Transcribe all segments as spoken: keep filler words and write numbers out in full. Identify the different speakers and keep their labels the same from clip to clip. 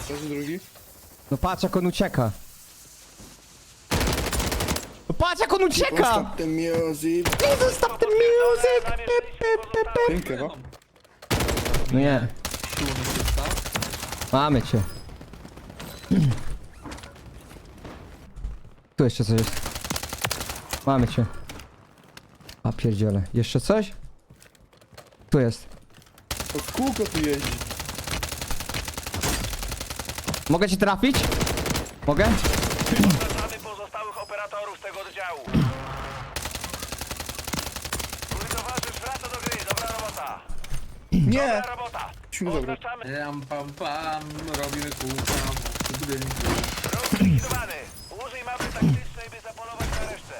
Speaker 1: Leży drugi.
Speaker 2: No patrz jak on ucieka. No patrz jak on ucieka!
Speaker 1: Stop the music.
Speaker 2: Jesus, stop the music! Pe, pe, pe, pe.
Speaker 1: Pięknie, no.
Speaker 2: No nie, mamy cię. Tu jeszcze coś jest. Mamy cię. A pierdziele. Jeszcze coś? Tu jest.
Speaker 1: To w kółko tu jeździ.
Speaker 2: Mogę ci trafić? Mogę?
Speaker 3: Zapraszamy pozostałych operatorów tego oddziału. Mój towarzysz wraca do gry, dobra robota.
Speaker 1: Nie!
Speaker 3: Dobra robota.
Speaker 1: Musimy zabrać.
Speaker 3: Oznaczamy
Speaker 4: Ram pam pam, robimy kółka w budynku.
Speaker 3: wróg zlikwidowany. Użyj mapy taktycznej, by zapolować na resztę.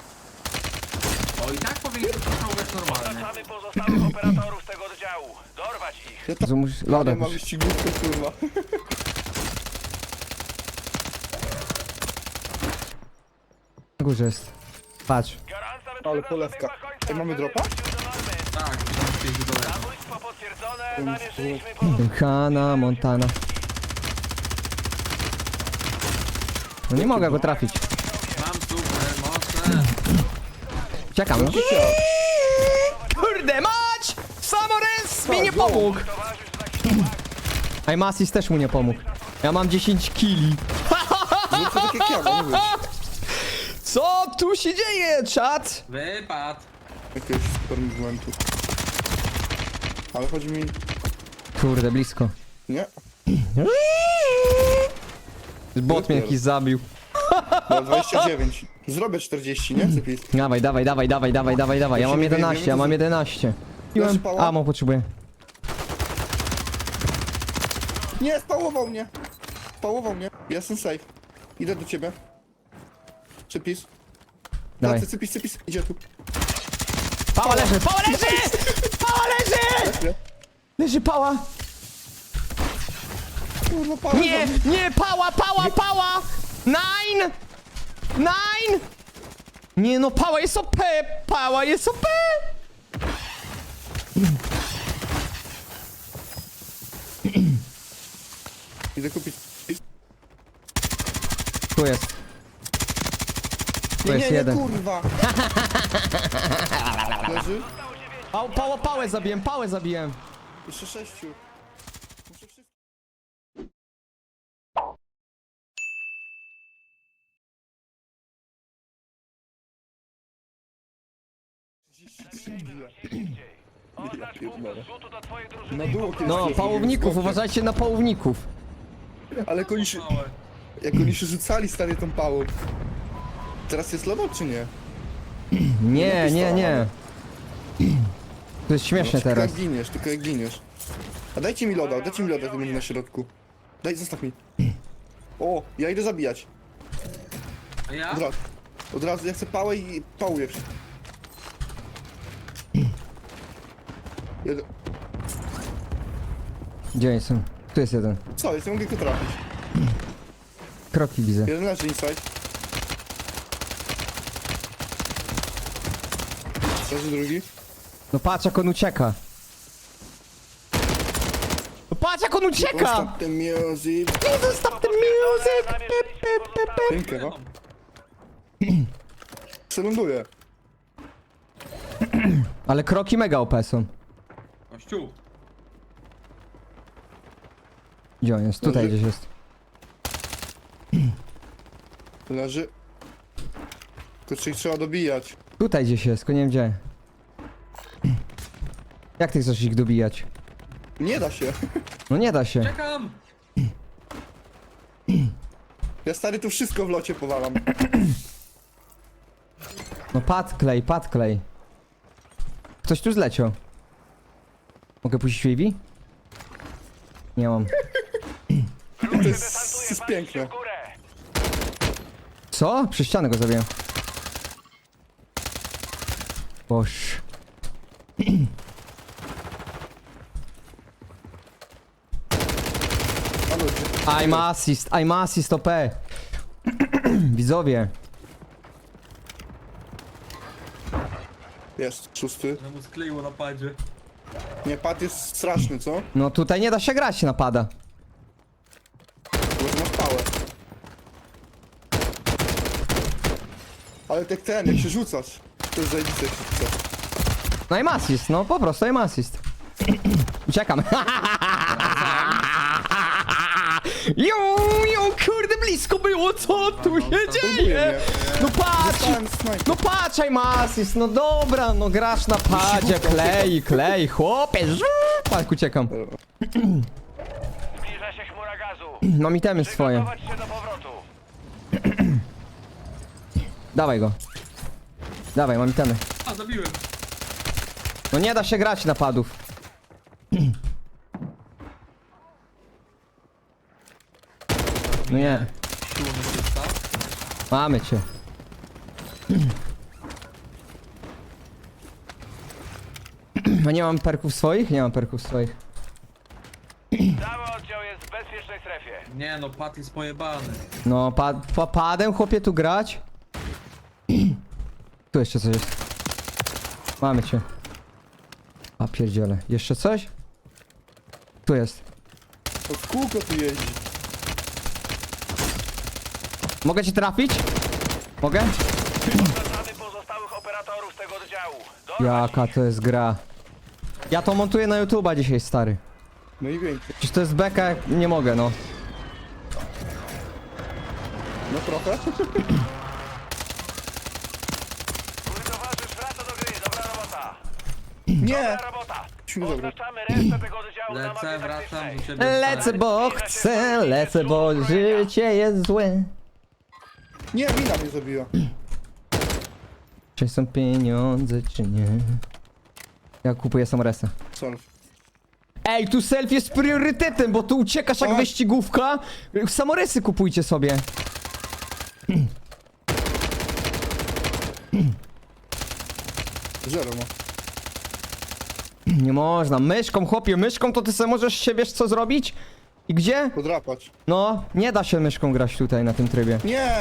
Speaker 4: O i tak powinien być czołgać normalny.
Speaker 3: Zapraszamy pozostałych operatorów tego oddziału. Dorwać ich.
Speaker 1: Ja tak
Speaker 2: Że musisz...
Speaker 1: nie
Speaker 2: Lodem.
Speaker 1: mam wyścigówkę, kurwa.
Speaker 2: Na górze jest. Patrz.
Speaker 3: Gorąca
Speaker 1: Ale
Speaker 3: wyprzedaż
Speaker 1: polewka.
Speaker 3: dobiegła końca.
Speaker 1: Ej, mamy dropa?
Speaker 3: Wrócił do normy.
Speaker 4: Tak, pięć do lewa.
Speaker 3: Zabójstwo potwierdzone. Namierzyliśmy pozostałych.
Speaker 2: Hanna Montana. No nie mogę go trafić.
Speaker 4: Mam super mocne.
Speaker 2: Czekam. Kurde mać! Samores mi nie pomógł!
Speaker 3: Towarzysz zakwitowany.
Speaker 2: Aimasis też mu nie pomógł. Ja mam dziesięć kili.
Speaker 1: Zrób to tak jak ja, no mówię.
Speaker 2: Co tu się dzieje, czat?
Speaker 4: Wypad.
Speaker 1: Jakiegoś super movementu. Ale chodzi mi...
Speaker 2: Kurde, blisko.
Speaker 1: Nie?
Speaker 2: Bot mnie jakiś zabił.
Speaker 1: No, dwadzieścia dziewięć. Zrobię czterdzieści, nie? Cypis.
Speaker 2: Dawaj, dawaj, dawaj, dawaj, dawaj, dawaj, dawaj. Ja mam jedenaście, ja mam jedenaście. Piłem...
Speaker 1: pała?
Speaker 2: Amo potrzebuję.
Speaker 1: Nie, spałował mnie. Spałował mnie. Jestem safe. Idę do ciebie. Cypis.
Speaker 2: Dawaj.
Speaker 1: Tacy, cypis, cypis. Idzie tu.
Speaker 2: Pała leży, pała leży! Pała leży!
Speaker 1: Nie?
Speaker 2: Leży pała.
Speaker 1: Kurwa, pała.
Speaker 2: Nie, nie, pała, pała, pała! Nine! Nine! Nie no, pała jest O P! Pała jest O P!
Speaker 1: Idę kupić.
Speaker 2: Tu jest. Tu
Speaker 1: Nie,
Speaker 2: jest
Speaker 1: nie, nie,
Speaker 2: jeden.
Speaker 1: kurwa. Leży.
Speaker 2: Pał, pała, pałę zabiłem, pałę zabiłem.
Speaker 1: Jeszcze sześciu. Muszę wszystko.
Speaker 3: Oznacz punkt zrzutu do twojej drużyny.
Speaker 1: Na dół kiedyś
Speaker 2: No,
Speaker 1: poszedł,
Speaker 2: pałowników,
Speaker 1: skokiem.
Speaker 2: uważajcie na pałowników.
Speaker 1: Ale jak oni się... Jak oni się rzucali stary tą pałą. Teraz jest lodo czy nie?
Speaker 2: Nie, nie, nie. To jest śmieszne
Speaker 1: Tylko
Speaker 2: teraz.
Speaker 1: jak giniesz, tylko jak giniesz. A dajcie mi loda, dajcie mi loda, to będzie na środku. Daj, zostaw mi. O, ja idę zabijać.
Speaker 4: A ja?
Speaker 1: Od razu. Od razu, ja chcę pałę i pałuję. Jeden.
Speaker 2: Gdzie oni są? Tu jest jeden.
Speaker 1: Co jest? Nie mogę go trafić.
Speaker 2: Kroki widzę.
Speaker 1: Jeden leży inside. Leży drugi.
Speaker 2: No patrz jak on ucieka. No patrz jak on ucieka!
Speaker 1: Stop the music.
Speaker 2: Jesus, stop the music! Pe, pe, pe, pe.
Speaker 1: Pięknie, no. Przeląduję.
Speaker 2: Ale kroki mega O P są.
Speaker 4: Kościół.
Speaker 2: Gdzie on jest? Tutaj
Speaker 1: Leży.
Speaker 2: gdzieś jest.
Speaker 1: Leży. Tylko czy ich trzeba dobijać?
Speaker 2: Tutaj gdzieś jest, tylko nie wiem gdzie. Jak ty chcesz ich dobijać?
Speaker 1: Nie da się.
Speaker 2: No nie da się.
Speaker 4: Czekam.
Speaker 1: Ja stary tu wszystko w locie powalam.
Speaker 2: No pad klej, pad klej. Ktoś tu zleciał. Mogę puścić U A V? Nie mam.
Speaker 1: To jest, to jest piękne.
Speaker 3: W górę.
Speaker 2: Co? Przez ścianę go zabiłem. Boż.
Speaker 1: Ale
Speaker 2: I'm assist, I'm assist O P. Widzowie.
Speaker 1: jest, szósty.
Speaker 4: No mu skleiło na padzie.
Speaker 1: Nie, pad jest straszny, co?
Speaker 2: No tutaj nie da się grać napada.
Speaker 1: całe. Ale tak ten, jak się rzucasz, to jest zajebiste jak się rzucasz.
Speaker 2: No i assist, no po prostu im assist. Uciekam. Jo, jo, kurde, blisko było, co tu się dzieje? No patrz,
Speaker 1: Dostałem snajper.
Speaker 2: no patrz, im assist, no dobra, no grasz na padzie, klej, klej, chłopie, żu, tak, uciekam.
Speaker 3: Zbliża się chmura gazu.
Speaker 2: Mam itemy swoje,
Speaker 3: Przygotować się do powrotu.
Speaker 2: dawaj go. Dawaj, mam itemy.
Speaker 4: A, zabiłem.
Speaker 2: No nie da się grać napadów. No nie,
Speaker 4: Siłą asysta.
Speaker 2: mamy cię. A nie mam perków swoich? Nie mam perków swoich.
Speaker 3: Cały oddział jest w bezpiecznej strefie.
Speaker 4: Nie no, Pat jest pojebany.
Speaker 2: No, pa, pa, padem chłopie tu grać? Tu jeszcze coś jest. Mamy cię. A pierdziele. Jeszcze coś? Tu jest.
Speaker 1: To w kółko tu jeździ.
Speaker 2: Mogę cię trafić? Mogę?
Speaker 3: Oznaczamy pozostałych operatorów tego oddziału. Dorwać
Speaker 2: Jaka to jest gra. Ja to montuję na YouTube'a dzisiaj, stary.
Speaker 1: No i więcej.
Speaker 2: Przecież to jest beka, jak nie mogę, no.
Speaker 1: No trochę.
Speaker 3: Mój towarzysz wraca do gry. Dobra robota.
Speaker 1: Nie!
Speaker 3: Dobra robota.
Speaker 1: Musimy zabrać.
Speaker 3: Oznaczamy resztę tego oddziału na mapie
Speaker 4: Lecę, wracam
Speaker 3: taktycznej.
Speaker 4: do ciebie.
Speaker 2: Lecę,
Speaker 4: stary.
Speaker 2: bo chcę, lecę, bo życie jest złe.
Speaker 1: Nie, mina mnie zabiła.
Speaker 2: Czy są pieniądze, czy nie? Ja kupuję samoresa.
Speaker 1: Sorry.
Speaker 2: Ej, tu selfie jest priorytetem, bo tu uciekasz jak
Speaker 1: Tak.
Speaker 2: wyścigówka. Samoresy kupujcie sobie.
Speaker 1: Zero ma.
Speaker 2: Nie można, myszką, chłopie, myszką to ty sobie możesz się, wiesz co zrobić? I gdzie?
Speaker 1: Podrapać.
Speaker 2: No, nie da się myszką grać tutaj na tym trybie.
Speaker 1: Nie!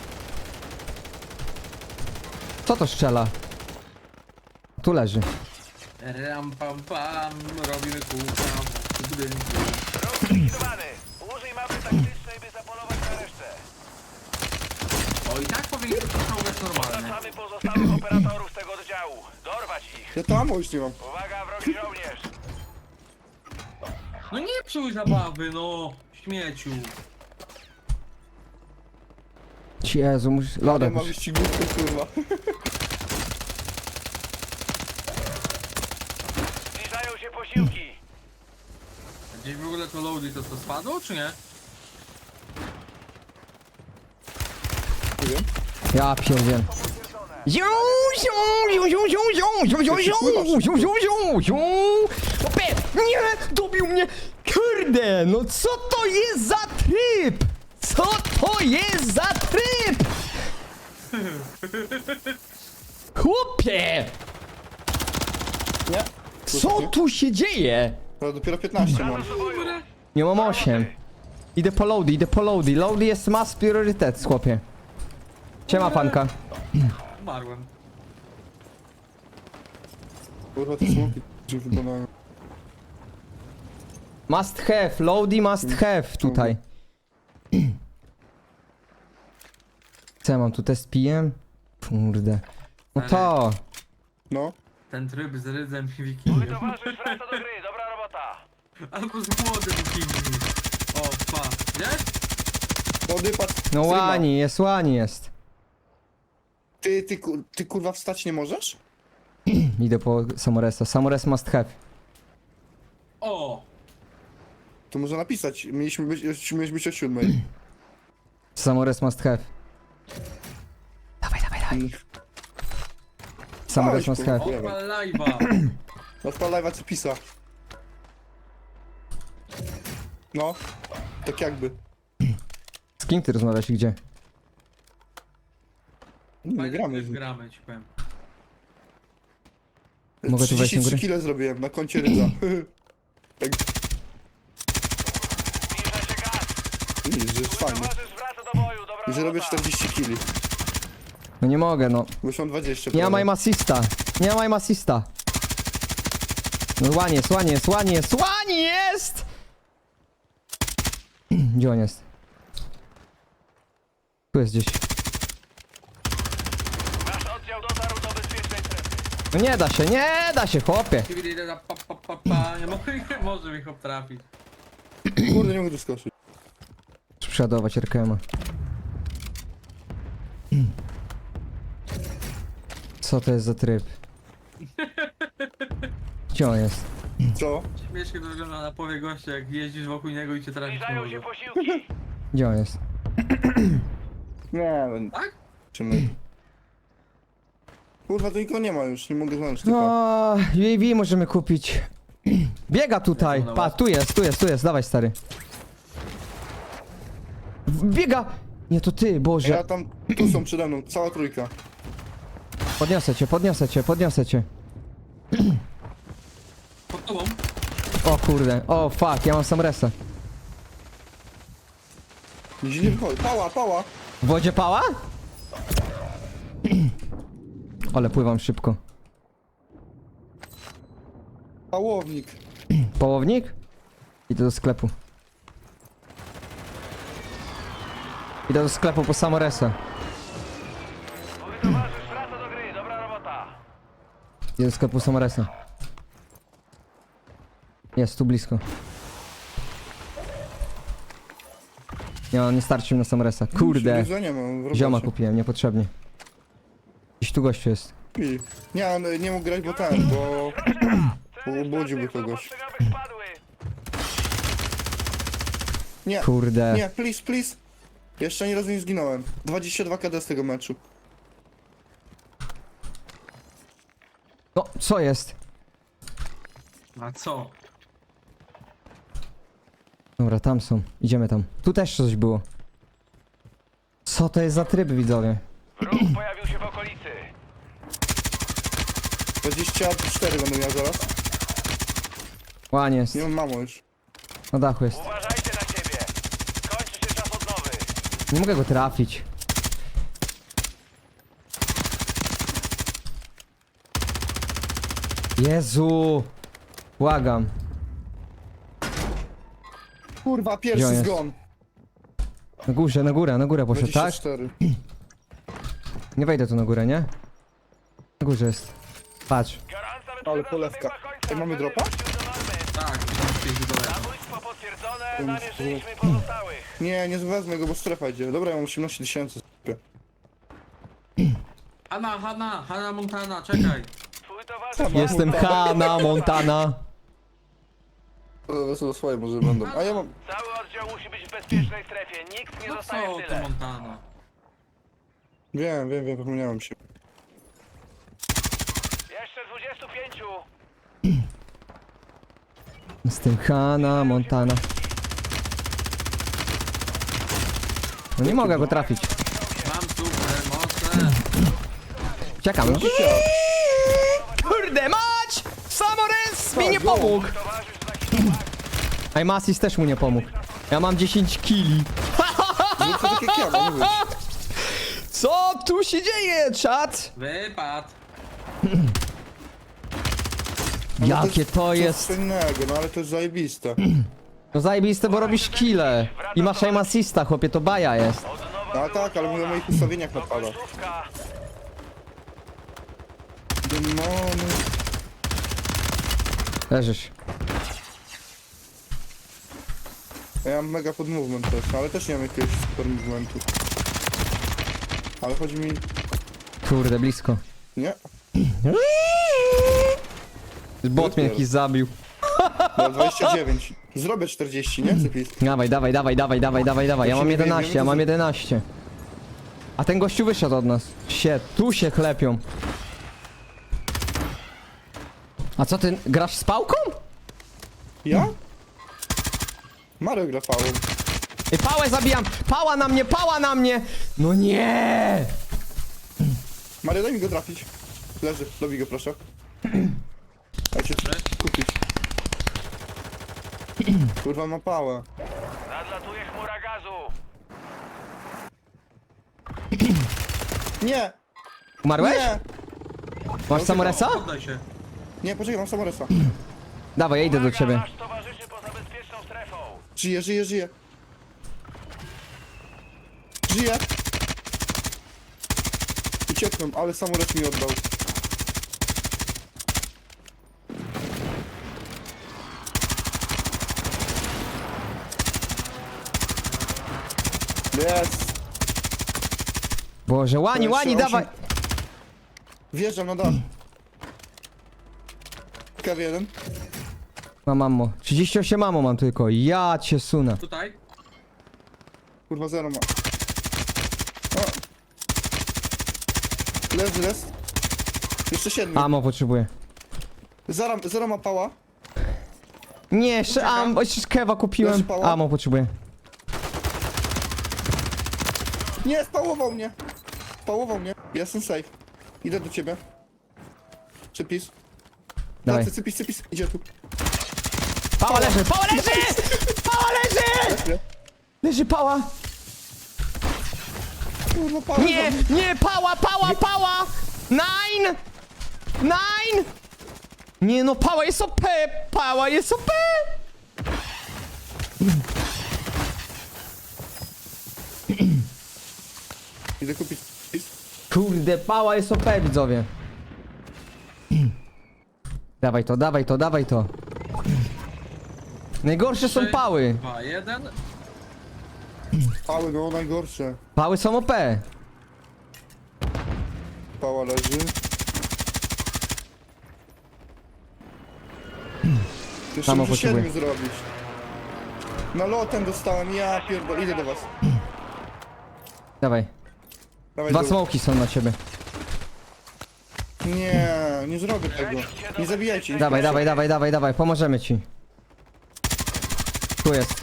Speaker 2: Co to strzela? Tu leży.
Speaker 4: Ram pam pam, robimy kółka w budynku.
Speaker 3: Wróg zlikwidowany. Użyj mapy taktycznej, by zapolować na resztę.
Speaker 4: O, i tak powinien być czołgać normalny.
Speaker 3: Oznaczamy pozostałych operatorów tego oddziału. Dorwać ich.
Speaker 1: Ja to ammo już nie mam.
Speaker 3: Uwaga, wrogi żołnierz.
Speaker 4: No nie psuj zabawy, no. Śmieciu.
Speaker 2: Jezu, muszę...
Speaker 1: Ale
Speaker 2: Lodem.
Speaker 1: mam wyścigówkę, kurwa.
Speaker 3: Zbliżają się posiłki.
Speaker 4: Gdzieś w ogóle to loady to co spadło, czy nie?
Speaker 1: Nie wiem.
Speaker 2: Ja pierdzielę. Ziu, ziu, ziu, ziu, ziu, ziu, ziu, ziu, ziu, ziu, ziu, ziu, ziu. Opie, nie, dobił mnie. Kurde, no co to jest za tryb? Co to jest za tryb? Chłopie,
Speaker 1: Nie?
Speaker 2: co tu się dzieje?
Speaker 1: Ale dopiero piętnaście mam.
Speaker 3: Do boju.
Speaker 2: Nie mam osiem. Idę po loady, idę po loady. Loady jest mass priorytet, chłopie. Siema, panka.
Speaker 4: Umarłem.
Speaker 1: Kurwa, te smoki się wyglądają.
Speaker 2: Must have, loady must have tutaj. Co ja mam tu test pijem? Kurde. No to.
Speaker 1: No.
Speaker 4: Ten tryb z rydzem i
Speaker 3: Mój
Speaker 4: wikingiem.
Speaker 3: towarzysz wraca do gry. Dobra robota.
Speaker 4: Albo z młodym wikingiem. O, pa. Wiesz?
Speaker 1: Wody, patrz.
Speaker 2: No
Speaker 1: streama.
Speaker 2: łani jest, łani jest.
Speaker 1: Ty, ty, ku- ty kurwa wstać nie możesz?
Speaker 2: Idę po Samoresa. Samores must have.
Speaker 4: O!
Speaker 1: To może napisać. Mieliśmy być, mieliśmy być o siódmej.
Speaker 2: Samores must have. Dawaj, dawaj, dawaj. Samores
Speaker 1: Dawaj,
Speaker 2: must have.
Speaker 1: kurwa.
Speaker 4: Odpal live'a.
Speaker 1: Odpal live'a co pisa. No. Tak jakby.
Speaker 2: Z kim ty rozmawiasz i gdzie?
Speaker 1: Nie,
Speaker 4: Fajnie,
Speaker 1: gramy.
Speaker 4: też gramy, ci powiem.
Speaker 2: Mogę tu wejść na
Speaker 1: trzydzieści trzy
Speaker 2: górę?
Speaker 1: kile zrobiłem na koncie rydza. Tak,
Speaker 3: Zbliża się gaz.
Speaker 1: widzisz, że jest
Speaker 3: Mój
Speaker 1: fajnie.
Speaker 3: towarzysz wraca do boju. Dobra
Speaker 1: I że robię
Speaker 3: robota.
Speaker 1: czterdzieści kili.
Speaker 2: No nie mogę, no.
Speaker 1: Bo już mam dwadzieścia.
Speaker 2: Nie mam
Speaker 1: prawie.
Speaker 2: aim assista. Nie mam aim assista. No łanie jest, łanie jest, łanie jest, łanie jest! Gdzie on jest? Tu jest gdzieś.
Speaker 3: Nasz oddział dotarł do bezpiecznej strefy.
Speaker 2: No nie da się, nie da się, chłopie.
Speaker 4: Pa, pa, pa, pa. Nie mogę, nie może mi chłop trafić.
Speaker 1: Kurde, nie mogę tu skoczyć.
Speaker 2: Przeładować R K M-a. Co to jest za tryb? Gdzie on jest?
Speaker 1: Co?
Speaker 4: Śmiesznie to wygląda na powie gościa, jak jeździsz wokół niego i cię trafić nie
Speaker 3: Zbliżają się
Speaker 4: może.
Speaker 3: posiłki.
Speaker 2: Gdzie on jest?
Speaker 1: Nie, no.
Speaker 4: Tak?
Speaker 1: Czy my? Kurwa, to nikogo nie ma już, nie mogę znaleźć typa.
Speaker 2: O, U A V możemy kupić. Biega tutaj. Pa, tu jest, tu jest, tu jest. Dawaj, stary. Biega! Nie, to ty,
Speaker 1: Ja
Speaker 2: Boże.
Speaker 1: tam, tu są przede mną, cała trójka.
Speaker 2: Podniosę cię, podniosę cię, podniosę cię.
Speaker 4: Pod tobą?
Speaker 2: O kurde, o fuck, ja mam sam resa.
Speaker 1: Nigdzie nie wychodzi. Pała, pała!
Speaker 2: W wodzie pała? Ale pływam szybko.
Speaker 1: Pałownik.
Speaker 2: Połownik? Idę do sklepu. Idę do sklepu po samoresa.
Speaker 3: Twój towarzysz wraca do gry. Dobra robota.
Speaker 2: Idę do sklepu samoresa. Jest tu blisko. Nie, no, nie starczy mi na samoresa. Kurde.
Speaker 1: Jezu, nie mam, w robocie.
Speaker 2: Zioma kupiłem, niepotrzebnie. Gdzieś tu gościu jest.
Speaker 1: I- Nie, on nie mógł grać, bo ten, bo... Bo obudziłby kogoś.
Speaker 3: Ostrzegamy spadły.
Speaker 1: Nie,
Speaker 2: Kurde.
Speaker 1: nie, please, please. Jeszcze ani razu nie zginąłem. dwadzieścia dwa K D z tego meczu.
Speaker 2: No, co jest?
Speaker 4: A co?
Speaker 2: Dobra, tam są. Idziemy tam. Tu też coś było. Co to jest za tryb, widzowie?
Speaker 3: Wróg pojawił się w okolicy.
Speaker 1: dwadzieścia cztery będę miał zaraz.
Speaker 2: Łanie jest.
Speaker 1: Nie mam mamo już.
Speaker 2: Na dachu jest.
Speaker 3: Uważajcie na siebie. Kończy się czas odnowy.
Speaker 2: Nie mogę go trafić. Jezu! Błagam.
Speaker 1: Kurwa,
Speaker 2: Gdzie on
Speaker 1: pierwszy
Speaker 2: jest?
Speaker 1: zgon.
Speaker 2: Na górze, na górę, na górę poszedł, tak?
Speaker 1: dwadzieścia cztery.
Speaker 2: Nie wejdę tu na górę, nie? Na górze jest. Patrz.
Speaker 3: Gorąca
Speaker 1: Ale
Speaker 3: wyprzedaż
Speaker 1: polewka.
Speaker 3: dobiegła końca.
Speaker 1: Ej, mamy dropa?
Speaker 3: Wrócił do normy.
Speaker 4: Tak, pięć do lewa.
Speaker 3: Zabójstwo potwierdzone. Namierzyliśmy pozostałych.
Speaker 1: Nie, nie wezmę go, bo strefa idzie. Dobra, ja mam osiemnaście tysięcy.
Speaker 4: Hanna, Hanna, Hanna Montana, czekaj.
Speaker 3: Twój towarzysz
Speaker 2: Jestem Hanna Montana.
Speaker 1: To swoje może będą. A ja mam...
Speaker 3: Cały oddział musi być w bezpiecznej strefie. Nikt nie
Speaker 4: No
Speaker 3: zostaje
Speaker 4: co
Speaker 3: w
Speaker 4: to
Speaker 3: tyle.
Speaker 4: Montana?
Speaker 1: Wiem, wiem, wiem, zapomniałem się.
Speaker 3: Jeszcze dwudziestu pięciu.
Speaker 2: Jestem Hanna Montana. No nie mogę go trafić.
Speaker 4: Mam super moce.
Speaker 2: Czekam. Kurde mać! Samores mi nie pomógł!
Speaker 3: Towarzysz zakiwał.
Speaker 2: Aimasis też mu nie pomógł. Ja mam dziesięć kili.
Speaker 1: Zrób to tak jak ja, mam mówić.
Speaker 2: Co tu się dzieje, czat?
Speaker 4: Wypad.
Speaker 1: No
Speaker 2: Jakie to jest...
Speaker 1: Co innego, no ale to jest zajebiste.
Speaker 2: No zajebiste, bo robisz kile. I masz aimasista, chłopie, to baja jest.
Speaker 1: A tak, ale mówię o moich ustawieniach napada.
Speaker 3: Końcówka.
Speaker 1: Demony.
Speaker 2: Leżysz.
Speaker 1: Ja mam mega pod movement też, no ale też nie mam jakiegoś super movementu. Ale chodzi mi...
Speaker 2: Kurde, blisko.
Speaker 1: Nie?
Speaker 2: Bot mnie jakiś zabił.
Speaker 1: No dwadzieścia dziewięć. Zrobię czterdzieści, nie? Cypis.
Speaker 2: Dawaj, dawaj, dawaj, dawaj, dawaj, dawaj, dawaj. Ja mam jedenaście, ja mam jedenaście. A ten gościu wyszedł od nas. Sie, tu się chlepią. A co ty, grasz z pałką?
Speaker 1: Ja? Mario gra fałą.
Speaker 2: Ej, pałę zabijam! Pała na mnie, pała na mnie! No nie!
Speaker 1: Mario, daj mi go trafić. Leży, dobij go proszę. Dajcie kupić. Kurwa, ma pałę.
Speaker 3: Nadlatuje chmura gazu.
Speaker 1: Nie!
Speaker 2: Umarłeś?
Speaker 1: Nie!
Speaker 2: Masz samoresa?
Speaker 4: Poddaj się.
Speaker 1: Nie, poczekaj, mam samoresa.
Speaker 2: Dawaj, ja idę do
Speaker 3: Uwaga,
Speaker 2: ciebie.
Speaker 3: Nasz towarzyszy poza bezpieczną strefą.
Speaker 1: Żyje, żyje, żyje. Żyje. Uciekłem, ale samolot mi oddał. Jest!
Speaker 2: Boże, łani, łani,
Speaker 1: Jeszcze
Speaker 2: dawaj!
Speaker 1: osiem. Wjeżdżam na dach. K jeden.
Speaker 2: Mam ammo. trzydzieści osiem ammo mam tylko. Ja cię sunę.
Speaker 4: Tutaj.
Speaker 1: Kurwa, zero ma. O. Leży, jest. Jeszcze siedmiu.
Speaker 2: Ammo potrzebuję.
Speaker 1: Zero, zero ma pała.
Speaker 2: Nie, jeszcze ammo, jeszcze kewa kupiłem.
Speaker 1: Leży pała?
Speaker 2: Ammo potrzebuję.
Speaker 1: Nie, spałował mnie. Spałował mnie. Jestem safe. Idę do ciebie. Cypis.
Speaker 2: Dawaj.
Speaker 1: Tacy, cypis, cypis. Idzie tu.
Speaker 2: Pała leży, pała leży! Pała leży!
Speaker 1: Leży.
Speaker 2: Leży pała!
Speaker 1: Kurwa, pała.
Speaker 2: Nie, nie, pała, pała, pała! Nine! Nine! Nie no, pała jest O P! Pała jest O P!
Speaker 1: Idę kupić cypis.
Speaker 2: Kurde, pała jest O P, widzowie. Dawaj to, dawaj to, dawaj to. Najgorsze są pały.
Speaker 4: dwa, jeden.
Speaker 1: Pały, no najgorsze.
Speaker 2: Pały są O P.
Speaker 1: Pała leży. Jeszcze
Speaker 2: Samo
Speaker 1: muszę
Speaker 2: potrzebuję.
Speaker 1: siedmiu zrobić. Na lotem dostałem, ja pierdolę, idę do was.
Speaker 2: Dawaj.
Speaker 1: Dawaj
Speaker 2: Dwa
Speaker 1: dół.
Speaker 2: smoki są na ciebie.
Speaker 1: Nie, nie zrobię tego. Nie zabijajcie.
Speaker 2: Dawaj,
Speaker 1: proszę.
Speaker 2: dawaj, dawaj, dawaj, dawaj, pomożemy ci. Tu jest.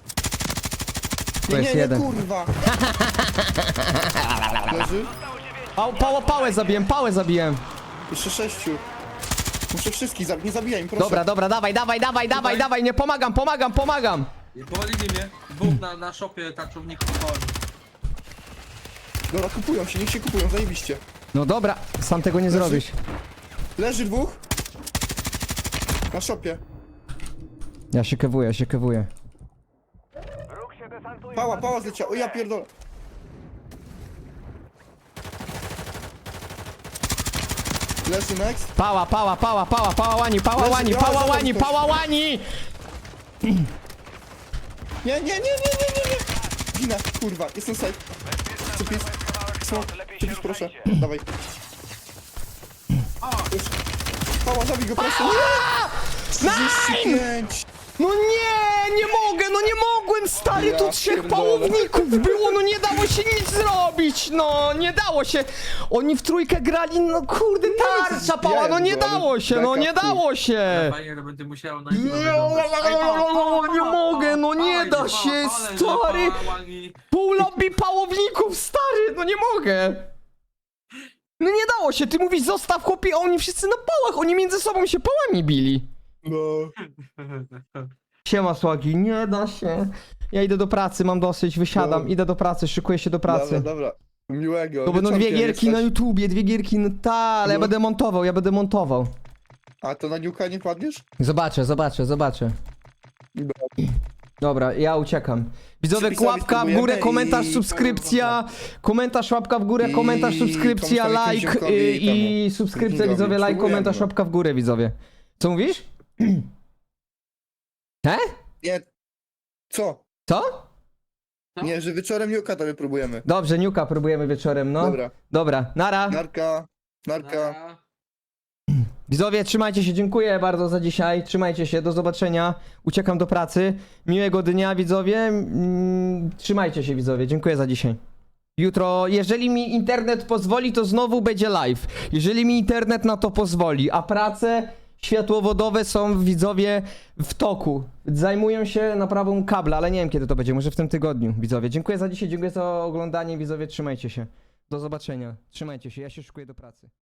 Speaker 2: Tu
Speaker 1: Nie,
Speaker 2: jest
Speaker 1: nie, nie,
Speaker 2: jeden.
Speaker 1: kurwa. Leży.
Speaker 2: Pał, pała, pałę zabiłem, pałę zabiłem.
Speaker 1: Jeszcze sześciu. Muszę wszystkich zabić, nie zabijaj im, proszę.
Speaker 2: Dobra, dobra, dawaj, dawaj, dawaj, dawaj,
Speaker 4: Tutaj.
Speaker 2: dawaj, nie pomagam, pomagam, pomagam.
Speaker 4: I powalili mnie. Dwóch na, na shopie taczowników powalili.
Speaker 1: Dobra, kupują się, niech się kupują, zajebiście.
Speaker 2: No dobra, sam tego nie zrobisz.
Speaker 1: Leży dwóch. Na szopie.
Speaker 2: Ja się kewuję, ja się kewuję.
Speaker 3: Wróg się desantuje.
Speaker 1: Pała, pała zleciała, o ja pierdolę. Leży next.
Speaker 2: Pała, pała, pała, pała, pała łani, pała
Speaker 1: Leży,
Speaker 2: łani,
Speaker 1: ja,
Speaker 2: pała
Speaker 1: zaraz
Speaker 2: łani,
Speaker 1: ktoś.
Speaker 2: pała łani!
Speaker 1: Nie, nie, nie, nie, nie, nie, nie. Ginę, kurwa, jestem safe. Cypis. Smok, cypis, proszę. Dawaj. Już. Pała, zabij go, proszę. trzydzieści pięć.
Speaker 2: No nie, nie mogę, no nie mogłem, stary,
Speaker 1: Ja
Speaker 2: tu trzech
Speaker 1: pierdolę.
Speaker 2: pałowników było, no nie dało się nic zrobić, no, nie dało się. Oni w trójkę grali, no kurde, tarcza pała, no nie dało się, no nie dało się.
Speaker 4: Fajnie, to będę musiał na
Speaker 2: Nie, nie mogę, no nie da się, stary. Pół lobby pałowników, stary, no nie mogę. No nie dało się, ty mówisz zostaw chłopie, a oni wszyscy na pałach, oni między sobą się pałami bili.
Speaker 1: No.
Speaker 2: Siema Słagi, nie da się. Ja idę do pracy, mam dosyć, wysiadam,
Speaker 1: No.
Speaker 2: idę do pracy, szykuję się do pracy.
Speaker 1: Dobra, dobra. Miłego.
Speaker 2: To będą dwie
Speaker 1: Wieczorkiem
Speaker 2: gierki
Speaker 1: jesteś.
Speaker 2: na YouTubie, dwie gierki, no ta, ale ja
Speaker 1: No.
Speaker 2: będę montował, ja będę montował.
Speaker 1: A to na niuka nie padniesz?
Speaker 2: Zobaczę, zobaczę, zobaczę.
Speaker 1: Dobra.
Speaker 2: Dobra, ja uciekam. Widzowie,
Speaker 1: Przypisami
Speaker 2: łapka w górę,
Speaker 1: spróbujemy
Speaker 2: komentarz,
Speaker 1: i-
Speaker 2: subskrypcja, komentarz, łapka w górę,
Speaker 1: I
Speaker 2: komentarz, subskrypcja,
Speaker 1: komuś tam jakimś
Speaker 2: like
Speaker 1: ziomkowi
Speaker 2: y, i
Speaker 1: temu,
Speaker 2: subskrypcja,
Speaker 1: Kingowi.
Speaker 2: widzowie, like,
Speaker 1: Spróbujemy,
Speaker 2: komentarz,
Speaker 1: no.
Speaker 2: łapka w górę, widzowie. Co mówisz? He?
Speaker 1: Nie. Co?
Speaker 2: Co?
Speaker 4: Co?
Speaker 1: Nie, że wieczorem niuka to wypróbujemy.
Speaker 2: Dobrze, Niuka próbujemy wieczorem, no.
Speaker 1: Dobra.
Speaker 2: Dobra, nara.
Speaker 1: Narka. Narka.
Speaker 2: Widzowie, trzymajcie się, dziękuję bardzo za dzisiaj, trzymajcie się, do zobaczenia, uciekam do pracy, miłego dnia widzowie, mm, trzymajcie się widzowie, dziękuję za dzisiaj. Jutro, jeżeli mi internet pozwoli, to znowu będzie live, jeżeli mi internet na to pozwoli, a prace światłowodowe są widzowie w toku, zajmują się naprawą kabla, ale nie wiem kiedy to będzie, może w tym tygodniu widzowie. Dziękuję za dzisiaj, dziękuję za oglądanie widzowie, trzymajcie się, do zobaczenia, trzymajcie się, ja się szykuję do pracy.